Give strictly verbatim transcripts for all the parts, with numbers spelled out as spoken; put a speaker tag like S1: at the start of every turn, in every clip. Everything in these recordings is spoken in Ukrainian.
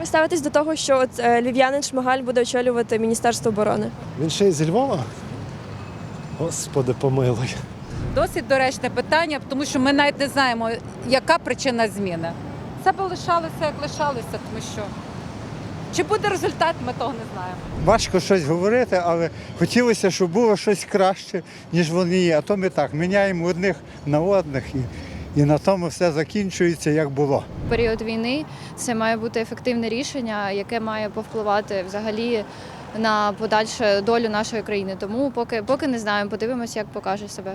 S1: ви ставитесь до того, що от е, львів'янин Шмигаль буде очолювати Міністерство оборони?
S2: Він ще й зі Львова? Господи, помилуй.
S3: Досить доречне питання, тому що ми навіть не знаємо, яка причина зміни. Це б лишалося, як лишалося, тому що чи буде результат, ми того не знаємо.
S4: Важко щось говорити, але хотілося, щоб було щось краще, ніж вони є. А то ми так міняємо одних на одних і, і на тому все закінчується, як було.
S5: В період війни це має бути ефективне рішення, яке має повпливати взагалі на подальшу долю нашої країни. Тому поки, поки не знаємо, подивимося, як покаже себе.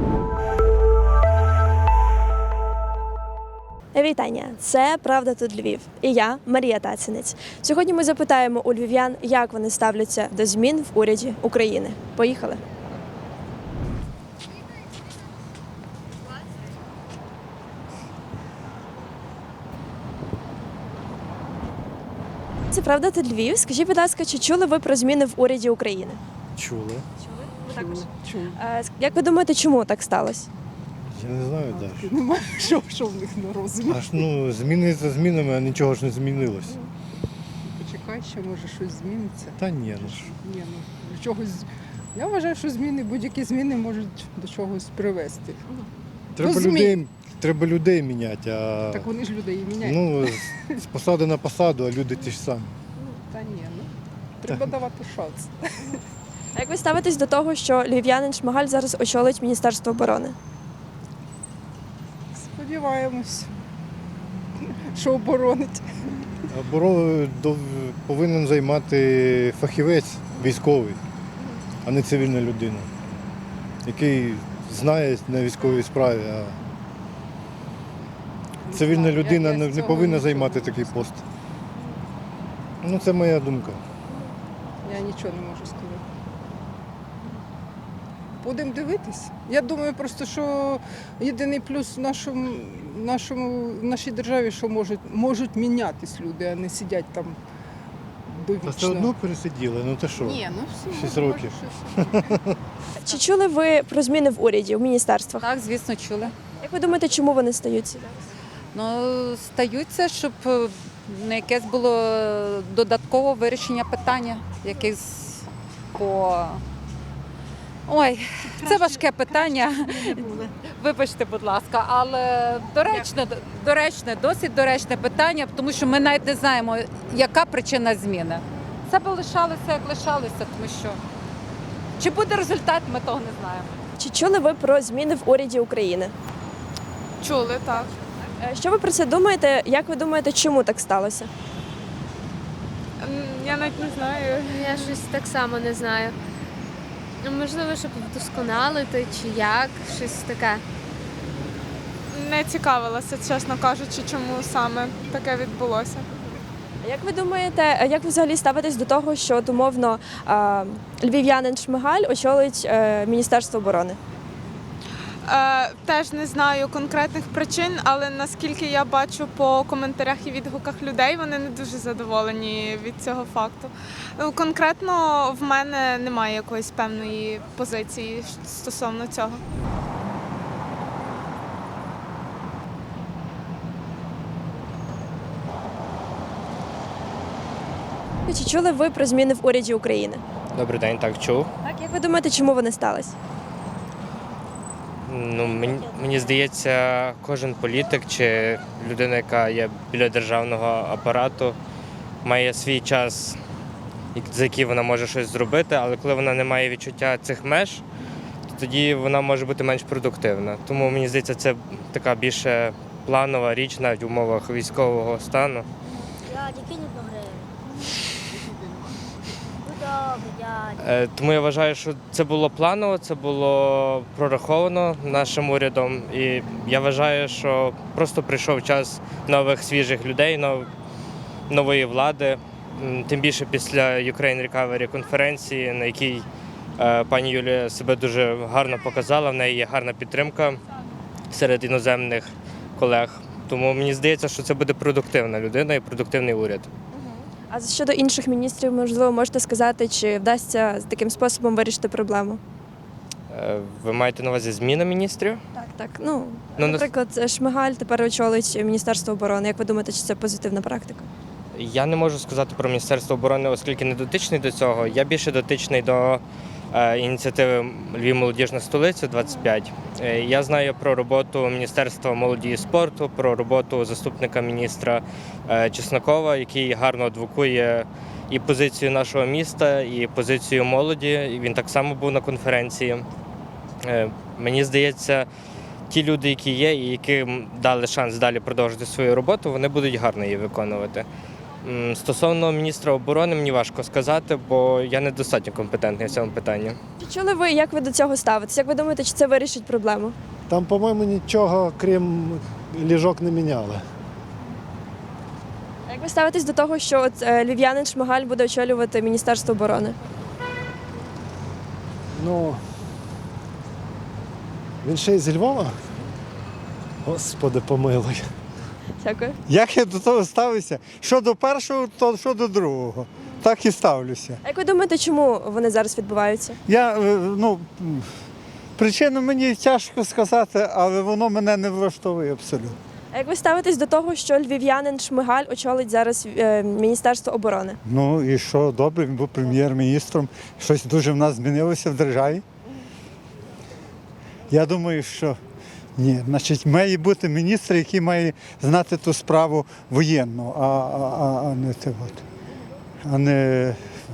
S1: Вітання! Це «Правда тут Львів» і я, Марія Тацінець. Сьогодні ми запитаємо у львів'ян, як вони ставляться до змін в уряді України. Поїхали! Це «Правда тут Львів». Скажіть, будь ласка, чи чули ви про зміни в уряді України?
S2: Чули?
S1: Ви також? Е, Як ви думаєте, чому так сталося?
S2: Я не знаю навіть.
S6: Немає що, що в них на розумі.
S2: Аж ну, зміни за змінами, а нічого ж не змінилось.
S6: Почекай, ще може щось зміниться.
S2: Та ні, ну ж.
S6: Ні, ну до чогось. Я вважаю, що зміни, будь-які зміни можуть до чогось привести.
S2: Треба
S6: змін.
S2: людей, треба людей міняти, а
S6: Так вони ж людей і міняють.
S2: ну, з, з посади на посаду, а люди ті ж самі.
S6: Та ні, ну треба давати шанс.
S1: А як ви ставитесь до того, що львів'янин Шмигаль зараз очолить Міністерство оборони?
S6: Сподіваємось, що оборонить.
S2: Оборону до- повинен займати фахівець військовий, а не цивільна людина, який знає на військовій справі, а цивільна
S6: знаю, я-
S2: людина
S6: я з
S2: не, не
S6: цього
S2: повинна
S6: нічого
S2: займати
S6: не
S2: такий
S6: можу
S2: пост. Ну, це моя думка.
S6: Я нічого не можу сказати. Будемо дивитись. Я думаю, просто що єдиний плюс в нашому, нашому, в нашій державі, що можуть, можуть мінятись люди, а не сидять там
S2: Та
S6: довічно.
S2: все одно пересиділи, ну ти що?
S6: Ні, ну все.
S2: Шість
S6: може,
S2: років.
S6: щось.
S1: Чи чули ви про зміни в уряді, в міністерствах?
S3: Так, звісно, чули.
S1: Як ви думаєте, чому вони стаються?
S3: Ну, стаються, щоб е, на якесь було додаткове вирішення питання, якесь по. Ой, це важке питання. Вибачте, будь ласка, але доречне, доречне, досить доречне питання, тому що ми навіть не знаємо, яка причина зміни. Це б лишалося, як лишалося, тому що чи буде результат, ми того не знаємо.
S1: Чи чули ви про зміни в уряді України?
S7: Чули, так.
S1: Е, Що ви про це думаєте? Як ви думаєте, чому так сталося?
S7: М, Я навіть не знаю.
S8: Я щось так само не знаю. Ну, можливо, щоб вдосконалити чи як, щось таке.
S7: Не цікавилася, чесно кажучи, чому саме таке відбулося.
S1: А як ви думаєте, е, як ви взагалі ставитесь до того, що от, умовно е, львів'янин Шмигаль очолить е, Міністерство оборони?
S7: Е, теж не знаю конкретних причин, але наскільки я бачу по коментарях і відгуках людей, вони не дуже задоволені від цього факту. Ну, конкретно в мене немає якоїсь певної позиції стосовно цього.
S1: Чи чули ви про зміни в уряді України?
S9: Добрий день, так чув.
S1: Так, як ви думаєте, чому вони сталися?
S9: Ну, мені, мені здається, кожен політик чи людина, яка є біля державного апарату, має свій час, як- за який вона може щось зробити, але коли вона не має відчуття цих меж, то тоді вона може бути менш продуктивна. Тому мені здається, це така більше планова річ навіть в умовах військового стану.
S10: Дядя, кинь одну гривню. Ну добре, дядя.
S9: Е, Тому я вважаю, що це було планово, це було прораховано нашим урядом. І я вважаю, що просто прийшов час нових свіжих людей, нов- нової влади. М, Тим більше після Ukraine Recovery конференції, на якій е, пані Юлія себе дуже гарно показала, в неї є гарна підтримка серед іноземних колег. Тому мені здається, що це буде продуктивна людина і продуктивний уряд.
S1: А щодо інших міністрів, можливо, можете сказати, чи вдасться таким способом вирішити проблему?
S9: Е, Ви маєте на увазі зміна міністрів?
S1: Так, так. Ну,
S9: Ну,
S1: наприклад, Шмигаль тепер очолить Міністерство оборони. Як ви думаєте, чи це позитивна практика?
S9: Я не можу сказати про Міністерство оборони, оскільки не дотичний до цього. Я більше дотичний до е, ініціативи Львів молодіжна столиця двадцять п'ять. Е, я знаю про роботу Міністерства молоді і спорту, про роботу заступника міністра е, Чеснокова, який гарно адвокує і позицію нашого міста, і позицію молоді. І він так само був на конференції. Е, мені здається, ті люди, які є, і яким дали шанс далі продовжити свою роботу, вони будуть гарно її виконувати. М, Стосовно міністра оборони, мені важко сказати, бо я недостатньо компетентний в цьому питанні.
S1: Чи чули ви, як ви до цього ставитесь? Як ви думаєте, чи це вирішить проблему?
S11: Там, по-моєму, нічого, крім ліжок, не міняли.
S1: А як ви ставитесь до того, що от е, львів'янин Шмигаль буде очолювати Міністерство оборони?
S11: Ну, він ще й зі Львова? Господи, помилуй.
S1: Дякую.
S4: Як я до того ставлюся? Що до першого, то що до другого. Так і ставлюся.
S1: А як ви думаєте, чому вони зараз відбуваються?
S4: Я, е, ну, м, причину мені тяжко сказати, але воно мене не влаштовує абсолютно.
S1: А як ви ставитесь до того, що львів'янин Шмигаль очолить зараз е, Міністерство оборони?
S4: Ну і що, добре, він був прем'єр-міністром. Щось дуже в нас змінилося в державі. Я думаю, що ні. Значить, має бути міністр, який має знати ту справу воєнну, а, а, а не те от, а не,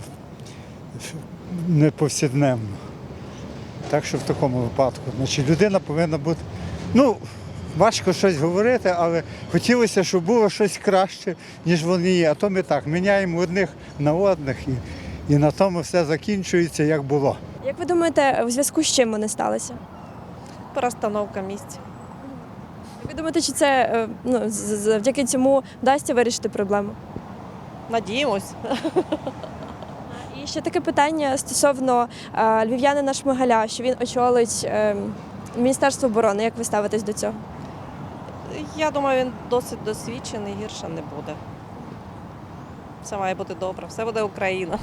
S4: не повсякденну. Так що в такому випадку. Значить, людина повинна бути. Ну, важко щось говорити, але хотілося, щоб було щось краще, ніж вони є. А то ми так міняємо одних на одних і, і на тому все закінчується, як було.
S1: Як ви думаєте, в зв'язку з чим вони сталися?
S12: Перестановка місць.
S1: Як ви думаєте, чи це е, ну, з- з- завдяки цьому вдасться вирішити проблему?
S12: Надіємось.
S1: І ще таке питання стосовно е, львів'янина Шмигаля, що він очолить е, Міністерство оборони. Як ви ставитесь до цього?
S12: Я думаю, він досить досвідчений, гірше не буде. Все має бути добре, все буде Україна.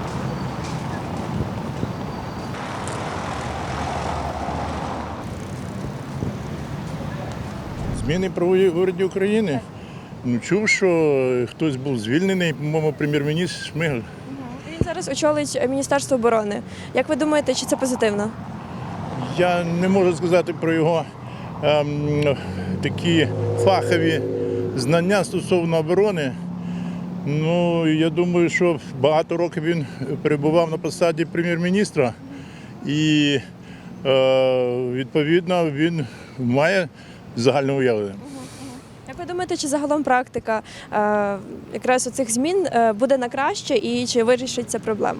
S2: Зміни правової в уряді України. Ну, чув, що хтось був звільнений, по-моєму, прем'єр-міністр Шмигаль.
S1: Він зараз очолить Міністерство оборони. Як ви думаєте, чи це позитивно?
S2: Я не можу сказати про його ем, такі фахові знання стосовно оборони. Ну, я думаю, що багато років він перебував на посаді прем'єр-міністра і, е, відповідно, він має загальне уявлення.
S1: Як ви думаєте, чи загалом практика е, якраз оцих змін е, буде на краще і чи вирішить ця проблему?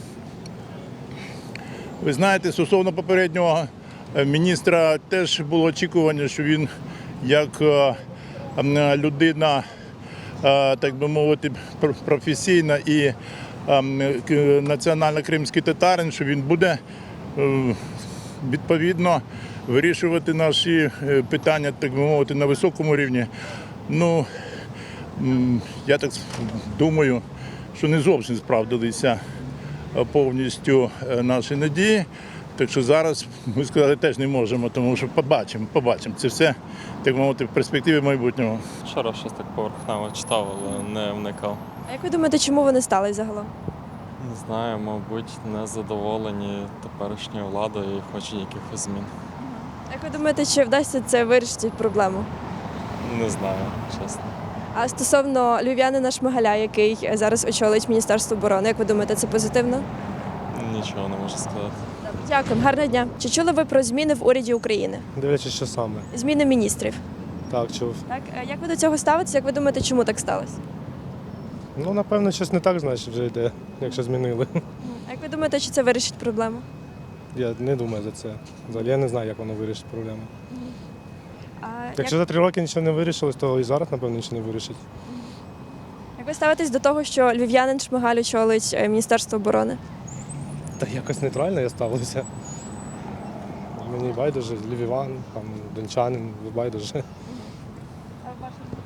S2: Ви знаєте, стосовно попереднього е, міністра теж було очікування, що він як е, м, людина, е, так би мовити, пр- професійна і е, м, к- національно-кримський татарин, що він буде е, відповідно вирішувати наші е, питання, так би мовити, на високому рівні. Ну, м, я так думаю, що не зовсім справдилися е, повністю е, наші надії. Так що зараз ми сказати теж не можемо, тому що побачимо, побачимо. Це все, так мовити, в перспективі майбутнього.
S13: Вчора щось так поверхнево читав, але не вникав.
S1: А як ви думаєте, чому вони стали загалом?
S13: Не знаю, мабуть, не задоволені теперішньою владою і хочуть якихось змін.
S1: Як ви думаєте, чи вдасться це вирішити проблему?
S13: Не знаю, чесно.
S1: А стосовно львів'янина Шмигаля, який зараз очолить Міністерство оборони, як ви думаєте, це позитивно?
S13: Нічого не можу сказати.
S1: Дякую, гарного дня. Чи чули ви про зміни в уряді України?
S11: Дивлячись, що саме.
S1: Зміни міністрів.
S11: Так, чув.
S1: Так, е, як ви до цього ставитесь? Як ви думаєте, чому так сталося?
S11: Ну, напевно, щось не так, значить, вже йде, якщо змінили.
S1: А як ви думаєте, чи це вирішить проблему?
S11: Я не думаю за це. Взагалі я не знаю, як воно вирішить проблему.
S1: А
S11: Якщо
S1: як,
S11: за три роки нічого не вирішилось, то і зараз, напевно, нічого не вирішить.
S1: як ви ставитесь до того, що львів'янин Шмигаль очолить е, Міністерство оборони?
S11: Та якось нейтрально я ставлюся. Мені байдуже, львів'ян, там, дончанин, байдуже.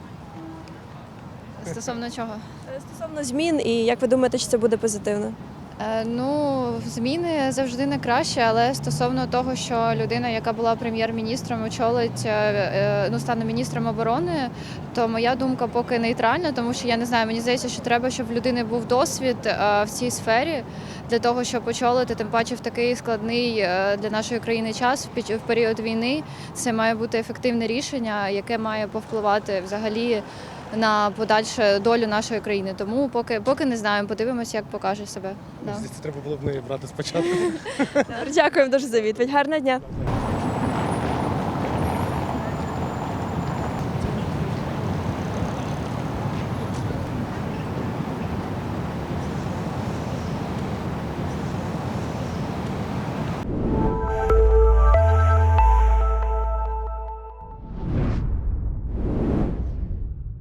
S5: Стосовно чого?
S1: Е, Стосовно змін, і як ви думаєте, чи це буде позитивно?
S5: Е, Ну, зміни завжди не краще, але стосовно того, що людина, яка була прем'єр-міністром, очолить, е, е, ну, стане міністром оборони, то моя думка поки нейтральна, тому що я не знаю, мені здається, що треба, щоб в людини був досвід е, в цій сфері для того, щоб очолити, тим паче в такий складний е, для нашої країни час, в під- в період війни. Це має бути ефективне рішення, яке має повпливати взагалі на подальшу долю нашої країни. Тому поки, поки не знаємо, подивимося, як покаже себе. Да.
S11: Це треба було б неї брати спочатку.
S1: Дякуємо дуже за відповідь. Гарного дня.